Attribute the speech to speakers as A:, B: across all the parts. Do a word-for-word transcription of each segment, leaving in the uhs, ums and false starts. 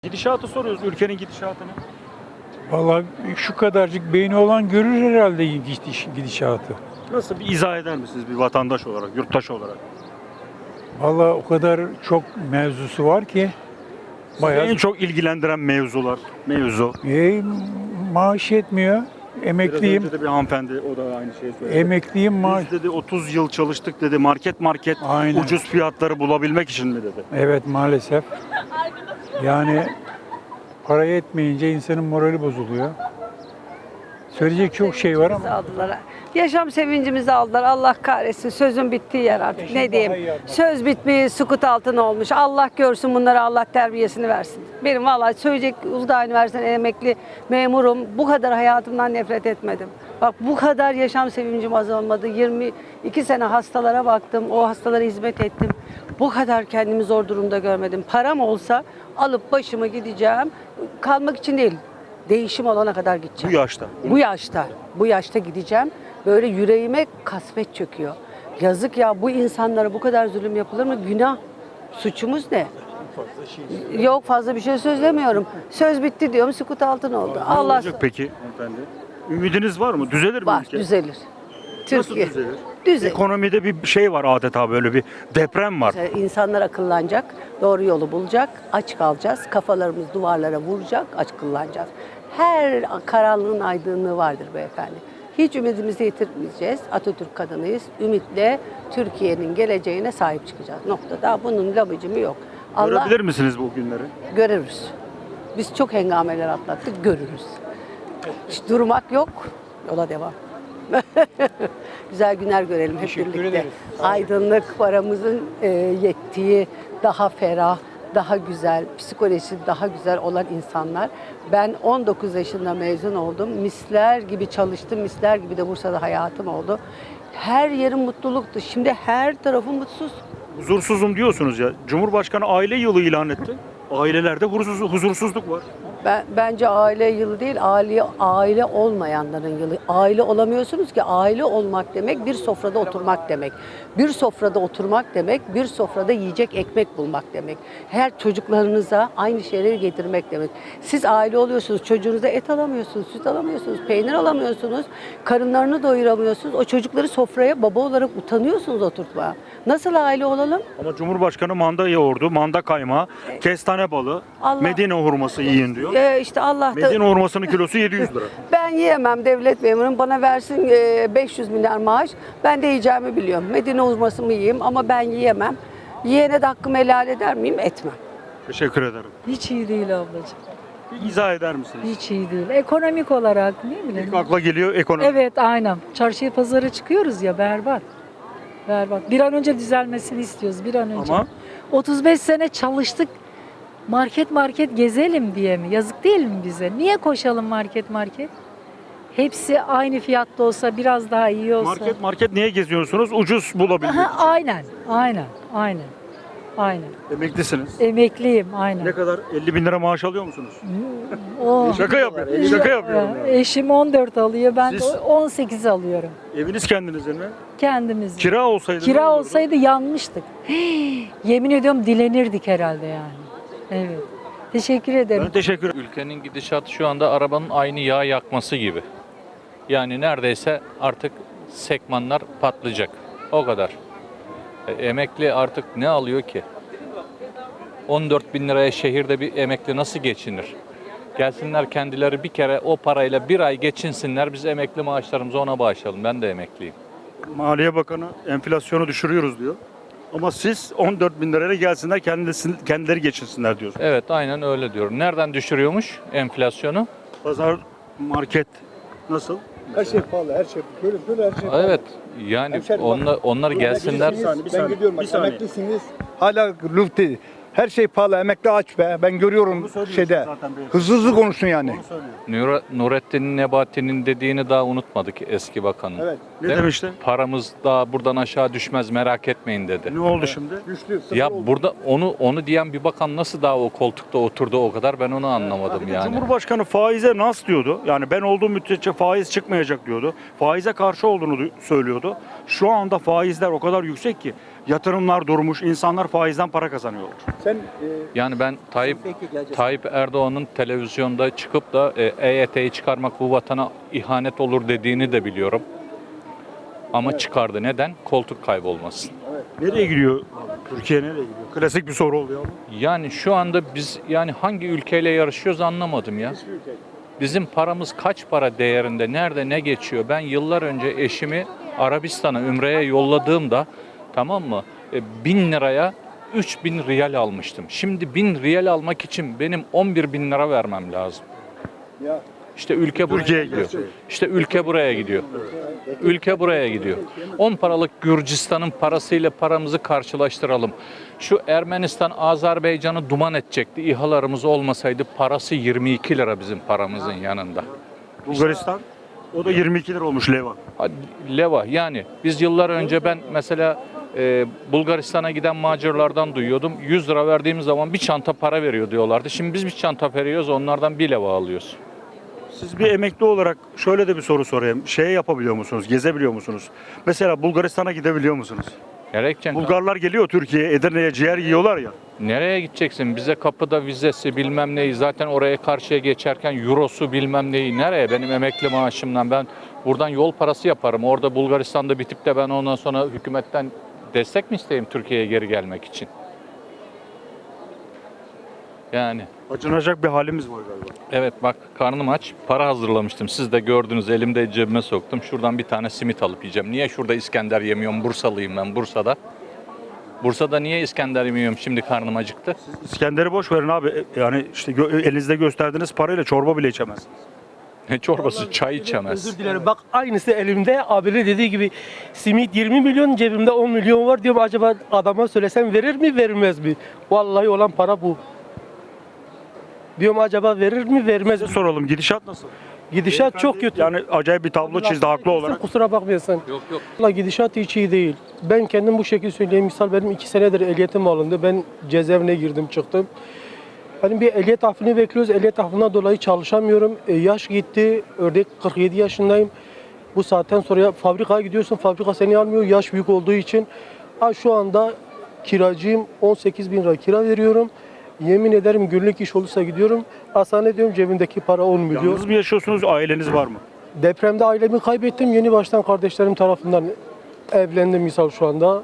A: Gidişatı soruyoruz, ülkenin gidişatını.
B: Vallahi şu kadarcık beyni olan görür herhalde gidiş, gidişatı.
A: Nasıl bir izah eder misiniz bir vatandaş olarak, yurttaş olarak?
B: Vallahi o kadar çok mevzusu var ki
A: Sizi
B: bayağı
A: en çok ilgilendiren mevzular, mevzu.
B: e, maaş yetmiyor.
A: Biraz
B: Emekliyim.
A: önce de bir hanımefendi o da aynı şeyi söyledi.
B: Emekliyim maaş.
A: Biz dedi otuz yıl çalıştık dedi, market market
B: Aynen.
A: ucuz fiyatları bulabilmek için mi dedi.
B: Evet maalesef. Yani para yetmeyince insanın morali bozuluyor. Söyleyecek çok şey var ama
C: Aldılar. Yaşam sevincimizi aldılar. Allah kahretsin. Sözün bittiği yer artık.
B: Eşim
C: Ne
B: daha
C: diyeyim?
B: iyi anlattı.
C: Söz bitmiş, sukut altına olmuş. Allah görsün bunları, Allah terbiyesini versin. Benim vallahi söyleyecek Uludağ Üniversitesi'nden emekli memurum. Bu kadar hayatımdan nefret etmedim. Bak bu kadar yaşam sevincim azalmadı. yirmi iki sene hastalara baktım. O hastalara hizmet ettim. Bu kadar kendimi zor durumda görmedim. Param olsa alıp başımı gideceğim. Kalmak için değil. Değişim olana kadar
A: Bu
C: gideceğim.
A: yaşta.
C: Bu yaşta, bu yaşta gideceğim. Böyle yüreğime kasvet çöküyor. Yazık ya, bu insanlara bu kadar zulüm yapılır mı? Günah. Suçumuz ne? Yok fazla bir şey söylemiyorum. Söz bitti diyorum, sukut altın oldu.
A: Ne
C: Allah
A: olacak peki hanımefendi? Ümidiniz var mı? Düzelir mi
C: var,
A: ülke?
C: düzelir.
A: Nasıl
C: Türkiye.
A: düzelir?
C: Düzelir.
A: Ekonomide bir şey var adeta, böyle bir deprem var.
C: İnsanlar akıllanacak, doğru yolu bulacak, aç kalacağız. Kafalarımız duvarlara vuracak, aç kıllanacağız. Her karanlığın aydınlığı vardır beyefendi. Hiç ümidimizi yitirmeyeceğiz. Atatürk kadınıyız. Ümitle Türkiye'nin geleceğine sahip çıkacağız. Noktada. Bunun labıcımı yok. Allah
A: Görebilir misiniz bu günleri?
C: görürüz. Biz çok hengameler atlattık, görürüz. Hiç durmak yok, yola devam. Güzel günler görelim hep
B: Teşekkür
C: birlikte.
B: ederiz.
C: Aydınlık, paramızın e, yettiği, daha ferah, daha güzel, psikolojisi daha güzel olan insanlar. Ben on dokuz yaşında mezun oldum. Misler gibi çalıştım, misler gibi de Bursa'da hayatım oldu. Her yerim mutluluktu. Şimdi her tarafım mutsuz.
A: Huzursuzum diyorsunuz ya. Cumhurbaşkanı aile yılı ilan etti. Ailelerde huzursuz, huzursuzluk var.
C: Ben, bence aile yılı değil, aile, aile olmayanların yılı. Aile olamıyorsunuz ki, aile olmak demek bir sofrada oturmak demek. Bir sofrada oturmak demek, bir sofrada yiyecek ekmek bulmak demek. Her çocuklarınıza aynı şeyleri getirmek demek. Siz aile oluyorsunuz, çocuğunuza et alamıyorsunuz, süt alamıyorsunuz, peynir alamıyorsunuz, karınlarını doyuramıyorsunuz. O çocukları sofraya baba olarak utanıyorsunuz oturtmaya. Nasıl aile olalım?
A: Ama Cumhurbaşkanı manda yoğurdu, manda kaymağı, kestane balı,
C: Allah-
A: Medine hurması yiyin diyor.
C: Ee, işte Allah da...
A: Medine hurmasının kilosu yedi yüz lira.
C: Ben yiyemem, devlet memurum bana versin e, beş yüz milyar maaş. Ben de yiyeceğimi biliyorum. Medine hurmasımı yiyeyim ama ben yiyemem. Yiyene de hakkımı helal eder miyim? Etmem.
A: Teşekkür ederim.
D: Hiç iyi değil ablacığım.
A: Bir izah eder misiniz?
D: Hiç iyi değil. Ekonomik olarak ne bileyim.
A: İlk akla geliyor ekonomi.
D: Evet aynen. Çarşıya pazara çıkıyoruz ya berbat. Berbat. Bir an önce düzelmesini istiyoruz bir an önce.
A: Ama
D: otuz beş sene çalıştık. Market market gezelim diye mi? Yazık değil mi bize? Niye koşalım market market? Hepsi aynı fiyatta olsa, biraz daha iyi olsa.
A: market market niye geziyorsunuz? Ucuz bulabilmek
D: Aha,
A: için.
D: aynen. Aynen. Aynen. Aynen.
A: Emeklisiniz.
D: Emekliyim aynen.
A: Ne kadar? elli bin lira maaş alıyor musunuz?
D: O,
A: Şaka yapıyorum. Şaka yapıyorum. Yani.
D: Eşim on dört alıyor, ben
A: Siz?
D: de on sekiz alıyorum.
A: Eviniz kendinizin mi?
D: Kendimiz.
A: Kira olsaydı ne
D: Kira
A: olurdu?
D: olsaydı yanmıştık. Yemin ediyorum dilenirdik herhalde yani. Evet. Teşekkür ederim.
A: Ben teşekkür ederim.
E: Ülkenin gidişatı şu anda arabanın aynı yağ yakması gibi. Yani neredeyse artık sekmanlar patlayacak. O kadar. E, emekli artık ne alıyor ki? on dört bin liraya şehirde bir emekli nasıl geçinir? Gelsinler kendileri bir kere o parayla bir ay geçinsinler. Biz emekli maaşlarımızı ona bağışlayalım. Ben de emekliyim.
A: Maliye Bakanı enflasyonu düşürüyoruz diyor. Ama siz on dört bin liraya gelsinler kendisi, kendileri geçinsinler diyorsunuz.
E: Evet aynen öyle diyorum. Nereden düşürüyormuş enflasyonu?
A: Pazar, market nasıl?
F: Her şey pahalı, her şey. Böyle böyle her şey pahalı.
E: Evet yani
F: Hemşerim bak,
E: onlar, onlar gelsinler.
F: Emeklisiniz,
A: saniye, bir
F: ben
A: saniye,
F: gidiyorum
A: bir
F: bak,
A: saniye.
F: emeklisiniz. Hala lüfti. Her şey pahalı, emekli aç be. Ben görüyorum
A: Onu söylüyorsun
F: şeyde.
A: zaten beyefendi.
F: Hızlı hızlı konuşun yani.
A: Onu söylüyor.
E: Nur Nurettin Nebati'nin dediğini daha unutmadık eski bakanın.
F: Evet.
A: Ne
E: Değil mi?
A: demişti?
E: Paramız daha buradan aşağı düşmez merak etmeyin dedi.
A: Ne oldu şimdi?
F: Güçlü, sıfır
E: Ya
F: oldu.
E: burada onu onu diyen bir bakan nasıl daha o koltukta oturdu o kadar ben onu anlamadım
A: Bir de
E: yani.
A: Cumhurbaşkanı faize nas diyordu. Yani ben olduğum müddetçe faiz çıkmayacak diyordu. Faize karşı olduğunu du- söylüyordu. Şu anda faizler o kadar yüksek ki Yatırımlar durmuş, insanlar faizden para kazanıyorlar.
F: Sen e,
E: Yani ben Tayyip Tayyip Erdoğan'ın televizyonda çıkıp da e, EYT'yi çıkarmak bu vatana ihanet olur dediğini de biliyorum. Ama çıkardı. Neden? Koltuk kaybolmasın.
A: Nereye gidiyor? Türkiye nereye gidiyor? Klasik bir soru oluyor ama.
E: Yani şu anda biz yani hangi ülkeyle yarışıyoruz anlamadım ya. Bizim paramız kaç para değerinde, nerede ne geçiyor? Ben yıllar önce eşimi Arabistan'a, Ümre'ye yolladığımda, tamam mı? E, bin liraya üç bin riyal almıştım. Şimdi bin riyal almak için benim on bir bin lira vermem lazım.
F: ya
E: İşte ülke buraya
A: Türkiye'ye
E: gidiyor.
A: gidiyor.
E: İşte ülke buraya gidiyor. Ülke buraya gidiyor. on paralık Gürcistan'ın parasıyla paramızı karşılaştıralım. Şu Ermenistan, Azerbaycan'ı duman edecekti. İHA'larımız olmasaydı parası yirmi iki lira bizim paramızın yanında.
A: Bulgaristan, o da yirmi iki lira olmuş leva.
E: Hadi Leva yani biz yıllar önce ben mesela e, Bulgaristan'a giden macirlardan duyuyordum. yüz lira verdiğimiz zaman bir çanta para veriyor diyorlardı. Şimdi biz bir çanta veriyoruz, onlardan bir leva alıyoruz.
A: Siz bir emekli olarak şöyle de bir soru sorayım. Şey yapabiliyor musunuz? Gezebiliyor musunuz? Mesela Bulgaristan'a gidebiliyor musunuz?
E: Nereye gideceksin?
A: Bulgarlar geliyor Türkiye'ye, Edirne'ye ciğer yiyorlar ya.
E: Nereye gideceksin? Bize kapıda vizesi bilmem neyi, zaten oraya karşıya geçerken eurosu bilmem neyi. Nereye? Benim emekli maaşımdan ben buradan yol parası yaparım. Orada Bulgaristan'da bitip de ben ondan sonra hükümetten destek mi isteyeyim Türkiye'ye geri gelmek için? Yani
A: Acınacak bir halimiz var galiba.
E: evet, bak karnım aç. Para hazırlamıştım. Siz de gördünüz, elimde cebime soktum. Şuradan bir tane simit alıp yiyeceğim. Niye şurada İskender yemiyorum? Bursalıyım ben, Bursa'da. Bursa'da niye İskender yemiyorum? Şimdi karnım acıktı.
A: İskender'i boş verin abi. Yani işte gö- elinizde gösterdiğiniz parayla çorba bile içemezsiniz.
E: Ne çorbası, çay içemez.
G: Özür dilerim. Bak aynısı elimde. Abinin dediği gibi simit yirmi milyon, cebimde on milyon var diyorum. Acaba adama söylesem verir mi vermez mi? Vallahi olan para bu. Diyorum acaba verir mi vermez mi?
A: Size soralım, gidişat nasıl?
G: Gidişat çok kötü.
A: Yani acayip bir tablo çizdi haklı olarak.
G: Kusura bakmayasın.
E: Yok yok.
G: Vallahi gidişat hiç iyi değil. Ben kendim bu şekilde söyleyeyim. Misal benim iki senedir ehliyetim alındı. Ben cezaevine girdim çıktım. Hani bir ehliyet affını bekliyoruz. Ehliyet affından dolayı çalışamıyorum. E, yaş gitti. Örnek kırk yedi yaşındayım. Bu saatten sonra fabrikaya gidiyorsun. Fabrika seni almıyor. Yaş büyük olduğu için. Ha, şu anda kiracıyım. on sekiz bin lira kira veriyorum. Yemin ederim günlük iş olursa gidiyorum. Hastane diyorum cebimdeki para on milyon.
A: Yalnız mı yaşıyorsunuz, aileniz var mı?
G: Depremde ailemi kaybettim. Yeni baştan kardeşlerim tarafından evlendim misal şu anda.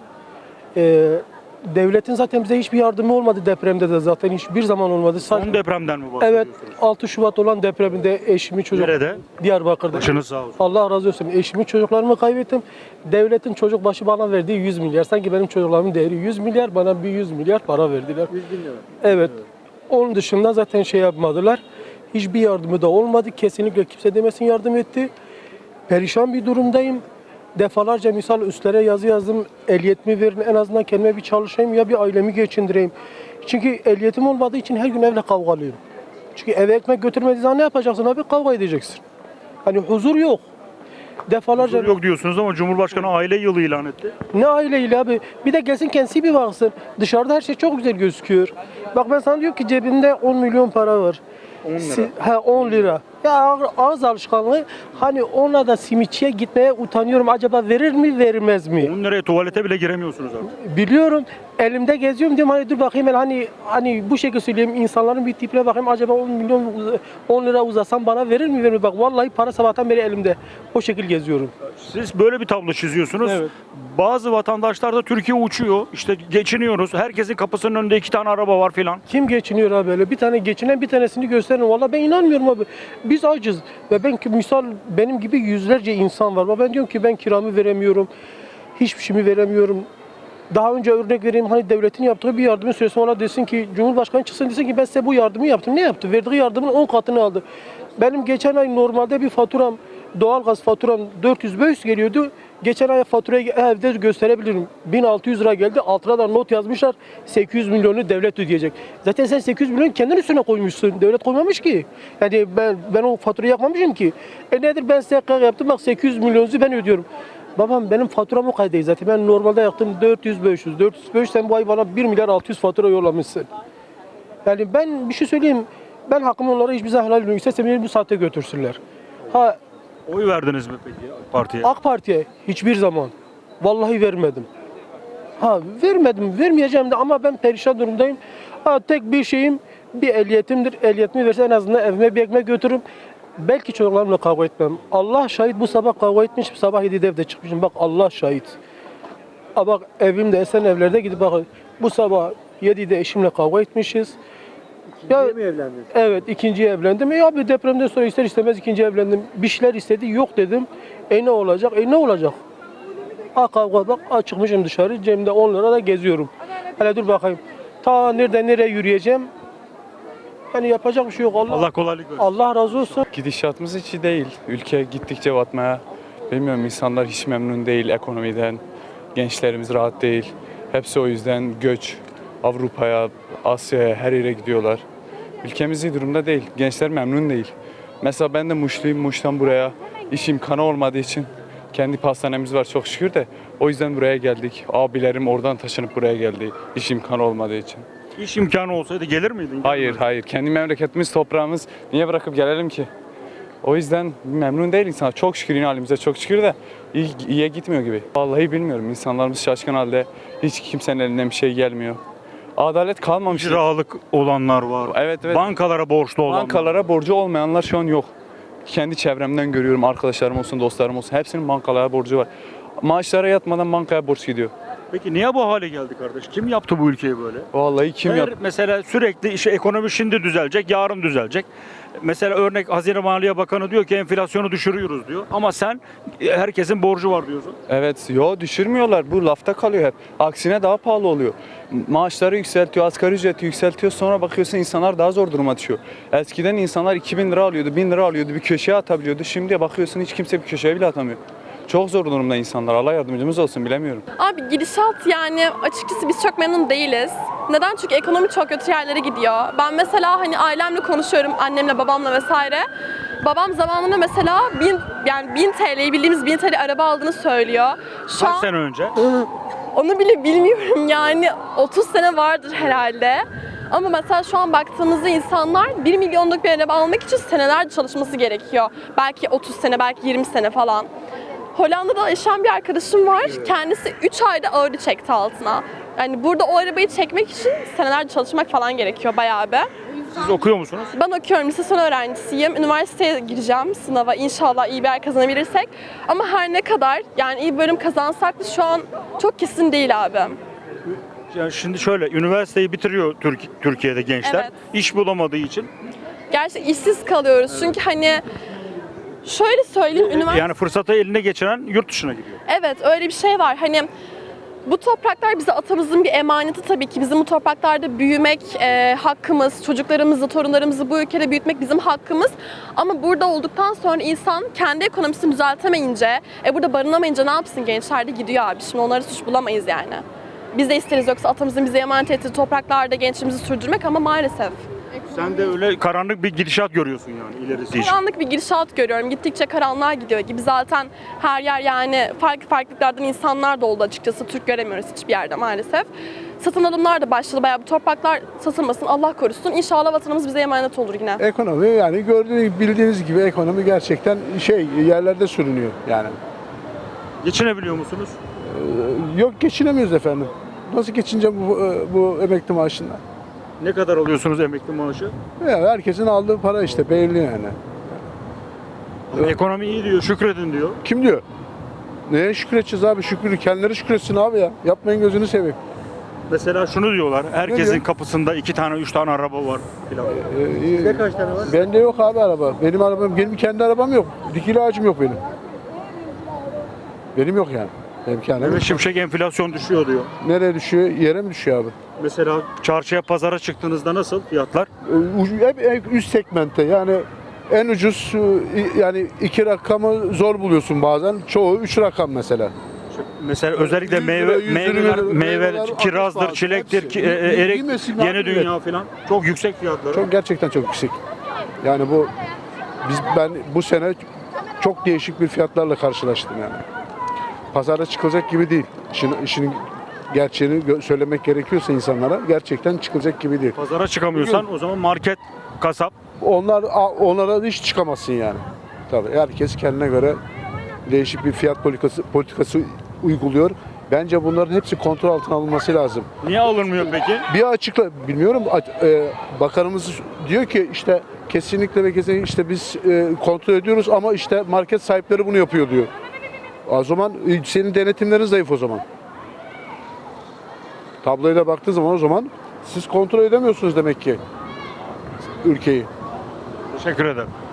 G: Ee, devletin zaten bize hiçbir yardımı olmadı depremde de zaten hiçbir zaman olmadı.
A: Son
G: Sadece-
A: depremden mi
G: Evet,
A: bahsediyorsunuz?
G: altı Şubat olan depreminde eşimi çocuk
A: Nerede?
G: Diyarbakır'da.
A: Başınız sağ olsun.
G: Allah razı olsun. Eşimi çocuklarımı kaybettim. Devletin çocuk başı bana verdiği yüz milyar. Sanki benim çocuklarımın değeri yüz milyar. Bana bir yüz milyar para verdiler. yüz bin lira. Evet. Onun dışında zaten şey yapmadılar. Hiçbir yardımı da olmadı. Kesinlikle kimse demesin yardım etti. Perişan bir durumdayım. Defalarca misal üstlere yazı yazdım. Ehliyetimi verin, en azından kendime bir çalışayım ya bir ailemi geçindireyim. Çünkü ehliyetim olmadığı için her gün evle kavgalıyım. Çünkü eve ekmek götürmediğin zaman ne yapacaksın abi? Kavga edeceksin. Hani huzur yok. Defalarca
A: Yok diyorsunuz ama Cumhurbaşkanı aile yılı ilan etti.
G: ne aileyle abi? Bir de gelsin kendisi bir baksın. Dışarıda her şey çok güzel gözüküyor. Bak ben sana diyorum ki cebimde on milyon para var.
A: on lira.
G: Si- He on lira. Ya ağ- ağız alışkanlığı. Hani onunla da simitçiye gitmeye utanıyorum. Acaba verir mi vermez mi?
A: on liraya tuvalete bile giremiyorsunuz abi.
G: Biliyorum. Elimde geziyorum diyorum hani dur bakayım ben hani hani bu şekilde söyleyeyim insanların bir tipine bakayım acaba on milyon uz- on lira uzasam bana verir mi verir mi? Bak vallahi para sabahtan beri elimde. O şekil geziyorum.
A: Siz böyle bir tablo çiziyorsunuz.
G: Evet.
A: Bazı vatandaşlar da Türkiye uçuyor. İşte geçiniyoruz. Herkesin kapısının önünde iki tane araba var filan.
G: Kim geçiniyor abi böyle? Bir tane geçinen bir tanesini gösterin. Vallahi ben inanmıyorum abi. Biz acız. Ve ben ki misal benim gibi yüzlerce insan var. Ama ben diyorum ki ben kiramı veremiyorum. Hiçbir şeyimi veremiyorum. Daha önce örnek vereyim hani devletin yaptığı bir yardımı söylesin ona desin ki Cumhurbaşkanı çıksın desin ki ben size bu yardımı yaptım. Ne yaptı? Verdiği yardımın on katını aldı. Benim geçen ay normalde bir faturam doğalgaz faturam dört yüz beş yüz geliyordu. Geçen ay faturayı evde gösterebilirim. bin altı yüz lira geldi. Altına da not yazmışlar. sekiz yüz milyonu devlet ödeyecek. Zaten sen sekiz yüz milyon kendin üstüne koymuşsun. Devlet koymamış ki. Yani ben ben o faturayı yakmamışım ki. E nedir ben size yaptım bak sekiz yüz milyonunuzu ben ödüyorum. Babam benim faturam o kadar değil zaten. Ben normalde yaptım dört yüz beş yüz. dört yüz beş yüz sen bu ay bana bir milyar altı yüz fatura yollamışsın. Yani ben bir şey söyleyeyim. Ben hakkımı onlara hiçbir zaman helal etmiyorum. İstesem beni bu saatte götürsünler. Ha
A: Oy verdiniz mi peki partiye?
G: AK Parti'ye hiçbir zaman vallahi vermedim. Ha vermedim, vermeyeceğim de ama ben perişan durumdayım. Ha tek bir şeyim bir ehliyetimdir. Ehliyetimi verse en azından evime bir ekmek götürürüm. Belki çocuklarımla kavga etmem. Allah şahit bu sabah kavga etmişim. Sabah yedide evde çıkmışım. Bak Allah şahit. Ha bak evimde Esen evlerde gidip bak bu sabah yedide eşimle kavga etmişiz. Ya,
B: mi evlendiniz?
G: evet ikinciye evlendim. E abi depremden sonra ister istemez ikinci evlendim. Bir şeyler istedi yok dedim. E ne olacak? E ne olacak? Ha kavga bak ha çıkmışım dışarı cebimde on lira da geziyorum. Hele dur bakayım. Ta nereden nereye yürüyeceğim? Yani yapacak bir şey yok. Allah,
A: Allah kolaylık versin.
G: Allah razı olsun.
H: Gidişatımız hiç iyi değil. Ülke gittikçe batmaya. Bilmiyorum insanlar hiç memnun değil ekonomiden. Gençlerimiz rahat değil. Hepsi o yüzden göç Avrupa'ya, Asya'ya her yere gidiyorlar. Ülkemiz iyi durumda değil. Gençler memnun değil. Mesela ben de Muşluyum. Muş'tan buraya iş imkanı olmadığı için kendi pastanemiz var çok şükür de o yüzden buraya geldik. Abilerim oradan taşınıp buraya geldi iş imkanı olmadığı için.
A: İş imkanı olsaydı gelir miydin?
H: Hayır hayır kendi memleketimiz toprağımız niye bırakıp gelelim ki? O yüzden memnun değil insan. Çok şükür yine halimize çok şükür de iyi, iyiye gitmiyor gibi. Vallahi bilmiyorum insanlarımız şaşkın halde hiç kimsenin elinden bir şey gelmiyor. Adalet kalmamış.
A: İcralık olanlar var.
H: Evet evet.
A: Bankalara borçlu olanlar.
H: Bankalara borcu olmayanlar şu an yok. Kendi çevremden görüyorum arkadaşlarım olsun dostlarım olsun hepsinin bankalara borcu var. Maaşlara yatmadan bankaya borç gidiyor.
A: Peki niye bu hale geldi kardeş? Kim yaptı bu ülkeyi böyle?
H: Vallahi kim
A: Eğer
H: yap?
A: mesela sürekli işte ekonomi şimdi düzelecek, yarın düzelecek. Mesela örnek Hazine Maliye Bakanı diyor ki enflasyonu düşürüyoruz diyor. Ama sen e, herkesin borcu var diyorsun.
H: Evet, yo düşürmüyorlar. Bu lafta kalıyor hep. Aksine daha pahalı oluyor. Maaşları yükseltiyor, asgari ücreti yükseltiyor. Sonra bakıyorsun insanlar daha zor duruma düşüyor. Eskiden insanlar iki bin lira alıyordu, bin lira alıyordu, bir köşeye atabiliyordu. Şimdi bakıyorsun hiç kimse bir köşeye bile atamıyor. Çok zor durumda insanlar. Allah yardımcımız olsun bilemiyorum.
I: Abi gidişat yani açıkçası biz çok memnun değiliz. Neden? Çünkü ekonomi çok kötü yerlere gidiyor. Ben mesela hani ailemle konuşuyorum, annemle, babamla vesaire. Babam zamanında mesela bin, yani bin T L'yi bildiğimiz bin T L araba aldığını söylüyor. Şu
A: Kaç
I: an
A: sene önce?
I: onu bile bilmiyorum yani otuz sene vardır herhalde. Ama mesela şu an baktığımızda insanlar bir milyonluk bir araba almak için senelerce çalışması gerekiyor. Belki otuz sene, belki yirmi sene falan. Hollanda'da yaşayan bir arkadaşım var. Kendisi üç ayda ağırı çekti altına. Yani burada o arabayı çekmek için senelerce çalışmak falan gerekiyor bayağı bir.
A: Siz okuyor musunuz?
I: Ben okuyorum, lise son öğrencisiyim. Üniversiteye gireceğim sınava. İnşallah iyi bir yer kazanabilirsek. Ama her ne kadar yani iyi bir bölüm kazansak da şu an çok kesin değil abi.
A: Yani şimdi şöyle, üniversiteyi bitiriyor Türk- Türkiye'de gençler.
I: Evet.
A: İş bulamadığı için.
I: Gerçekten işsiz kalıyoruz. Çünkü hani şöyle söyleyeyim, üniversite...
A: Yani fırsatı eline geçiren yurt dışına gidiyor.
I: Evet, öyle bir şey var. Hani bu topraklar bize atamızın bir emaneti tabii ki. Bizim bu topraklarda büyümek e, hakkımız, çocuklarımızı, torunlarımızı bu ülkede büyütmek bizim hakkımız. Ama burada olduktan sonra insan kendi ekonomisini düzeltemeyince, e, burada barınamayınca ne yapsın gençler de gidiyor abi. Şimdi onları suç bulamayız yani. Biz de isteriz yoksa atamızın bize emanet ettiği topraklarda gençliğimizi sürdürmek ama maalesef.
A: Sen de öyle karanlık bir gidişat görüyorsun yani ilerisi için.
I: Karanlık bir gidişat görüyorum. Gittikçe karanlığa gidiyor gibi. Zaten her yer yani farklı farklılıklardan insanlar da oldu açıkçası. Türk göremiyoruz hiçbir yerde maalesef. Satın alımlar da başladı. Bayağı bu topraklar satılmasın. Allah korusun. İnşallah vatanımız bize emanet olur yine.
J: Ekonomi yani gördüğünüz bildiğiniz gibi ekonomi gerçekten şey yerlerde sürünüyor yani.
A: Geçinebiliyor musunuz?
J: Ee, Yok geçinemiyoruz efendim. Nasıl geçineceğim bu, bu emekli maaşından?
A: Ne kadar alıyorsunuz emekli maaşı?
J: Ya herkesin aldığı para işte belli yani.
A: Ama ekonomi iyi diyor, şükredin diyor.
J: Kim diyor? Neye şükredeceğiz abi? Şükür, kendileri şükretsin abi ya. Yapmayın gözünü seveyim.
A: Mesela şunu diyorlar, herkesin
J: diyor?
A: kapısında iki tane, üç tane araba var filan.
J: Sizde kaç tane var? Bende yok abi araba. Benim arabam, benim kendi arabam yok. Dikili ağacım yok benim. Benim yok yani. Benim kendi
A: Mehmet Şimşek enflasyon düşüyor diyor.
J: Nereye düşüyor? Yere mi düşüyor abi?
A: Mesela çarşıya, pazara çıktığınızda nasıl fiyatlar?
J: Hep hep üst segmentte yani en ucuz yani iki rakamı zor buluyorsun bazen. Çoğu üç rakam mesela.
A: Mesela özellikle
J: yüz lira,
A: meyve,
J: yüz lira,
A: meyveler,
J: meyveler,
A: meyve,
J: altmış
A: kirazdır,
J: bazı,
A: çilektir,
J: hepsi.
A: ki, e, e, erik,
J: Bilmesin
A: yeni
J: abi,
A: dünya falan. Çok yüksek fiyatları.
J: Çok gerçekten çok yüksek. Yani bu biz ben bu sene çok değişik bir fiyatlarla karşılaştım yani. Pazara çıkılacak gibi değil. İşin, işin gerçeğini gö- söylemek gerekiyorsa insanlara gerçekten çıkılacak gibi değil.
A: Pazara çıkamıyorsan o zaman market, kasap.
J: Onlar onlara hiç çıkamazsın yani. Tabii herkes kendine göre değişik bir fiyat politikası politikası uyguluyor. Bence bunların hepsi kontrol altına alınması lazım.
A: Niye alınmıyor peki?
J: Bir açıkla, bilmiyorum, a- e, bakanımız diyor ki işte kesinlikle ve kesinlikle işte biz e, kontrol ediyoruz ama işte market sahipleri bunu yapıyor diyor. O zaman e, senin denetimlerin zayıf o zaman. Tabloyla baktığı zaman o zaman siz kontrol edemiyorsunuz demek ki ülkeyi.
A: Teşekkür ederim.